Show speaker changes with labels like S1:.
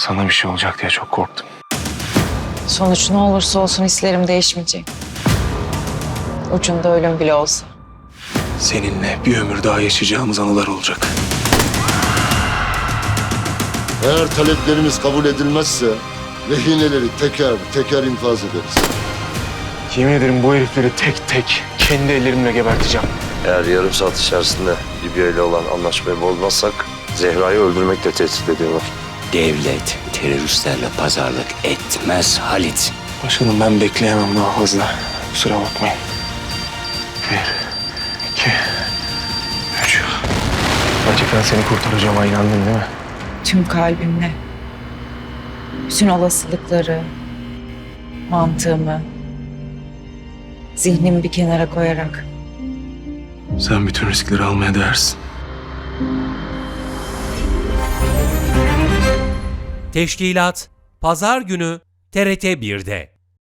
S1: Sana bir şey olacak diye çok korktum.
S2: Sonuç ne olursa olsun hislerim değişmeyecek. Ucunda ölüm bile olsa.
S1: Seninle bir ömür daha yaşayacağımız anılar olacak.
S3: Eğer taleplerimiz kabul edilmezse rehineleri teker teker infaz ederiz.
S1: Yemin ederim bu herifleri tek tek kendi ellerimle geberteceğim.
S4: Eğer yarım saat içerisinde Libya ile olan anlaşmayı bozmazsak Zehra'yı öldürmekle tehdit ediyorlar.
S5: Devlet teröristlerle pazarlık etmez Halit.
S1: Başkanım ben bekleyemem daha fazla. Kusura bakmayın. 1, 2, 3. Gerçekten seni kurtaracağıma inandın değil mi?
S2: Tüm kalbimle. Bütün olasılıkları, mantığımı, zihnimi bir kenara koyarak.
S1: Sen bütün riskleri almaya değersin.
S6: Teşkilat Pazar günü TRT 1'de.